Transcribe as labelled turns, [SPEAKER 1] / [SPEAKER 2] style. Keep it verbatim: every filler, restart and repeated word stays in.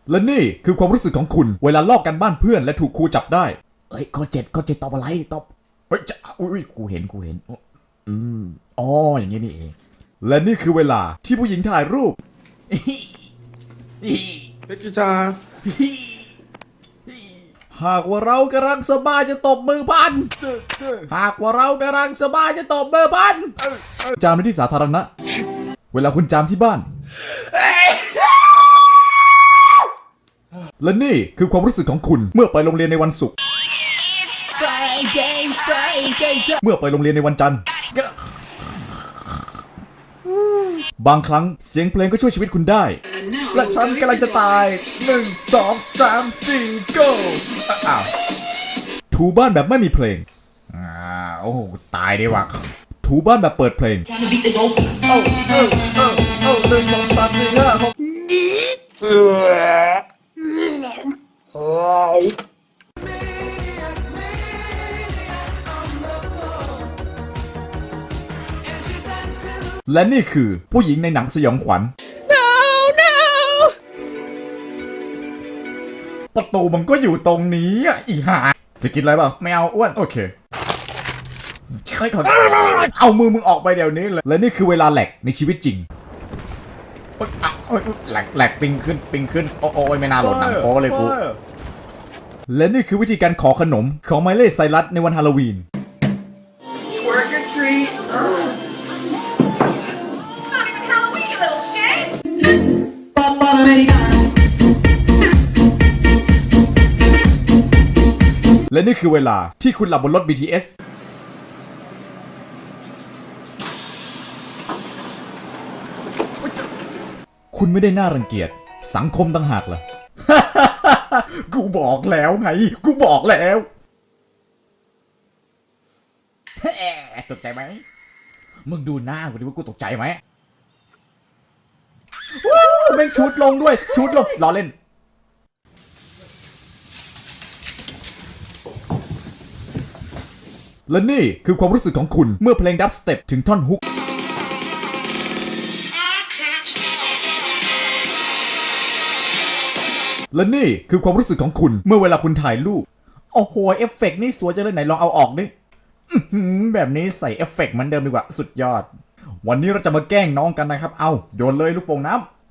[SPEAKER 1] และนี่คือความรู้สึกของคุณเวลาลอกกันบ้านเพื่อนและถูกครูจับได้เอ้ยข้อเจ็ดข้อเจ็ดตอบอะไรตอบเฮ้ยจะอุ้ยกูเห็นกูเห็นอืมอ๋ออย่างงี้นี่เองและนี่คือเวลาที่ผู้หญิงถ่ายรูป
[SPEAKER 2] เพชรจ้า
[SPEAKER 1] หากว่าเรากำลังสบายจะตบมือพันหากว่าเรากำลังสบายจะตบมือพันจามในที่สาธารณะเวลาคุณจามที่บ้านและนี่คือความรู้สึกของคุณเมื่อไปโรงเรียนในวันศุกร์เมื่อไปโรงเรียนในวันจันทร์บางครั้งเสียงเพลงก็ช่วยชีวิตคุณได้และฉันกำลังจะตายหนึ่งสองสามสี่ go อ้าวถูบ้านแบบไม่มีเพลงอ่าโอ้โหตายดีว่ะถูบ้านแบบเปิดเพลงเอ้าเอ้าเอ้าเอ้าหนึ่งสองสามสี่ห้าหกและนี่คือผู้หญิงในหนังสยองขวัญ
[SPEAKER 3] no no
[SPEAKER 1] ประตูมันก็อยู่ตรงนี้อ่ะอีห่าจะกินอะไรบ้างไม่เอาอ้วนโอเคค่อยๆเอามือมึงออกไปเดี๋ยวนี้เลยและนี่คือเวลาแหลกในชีวิตจริงโอ๊ยอ่ะโอ๊ยแหลกแหลกปิงขึ้นปิงขึ้นโอ้โอ้ยไม่น่าโหลดหนังโป๊เลยกูและนี่คือวิธีการขอขนมของไมเล่ไซรัสในวันฮาโลวีน
[SPEAKER 2] Twerk or treat
[SPEAKER 3] It's not even Halloween, you little shit
[SPEAKER 1] และนี่คือเวลาที่คุณหลับบนรถ บี ที เอส คุณไม่ได้น่ารังเกียจสังคมต่างหากล่ะ กูบอกแล้วไงกูบอกแล้วตกใจไหมมึงดูหน้ากูดิว่ากูตกใจไหมว้าวแม่งชุดลงด้วยชุดลงล้อเล่นและนี่คือความรู้สึกของคุณเมื่อเพลงดับสเต็ปถึงท่อนฮุกและนี่คือความรู้สึกของคุณเมื่อเวลาคุณถ่ายรูปโอ้โหเอฟเฟกต์นี่สวยจังเลยไหนลองเอาออกดิแบบนี้ใส่เอฟเฟกต์เหมือนเดิมดีกว่าสุดยอดวันนี้เราจะมาแกล้งน้องกันนะครับเอาโยนเลยลูกโป่งน้ำ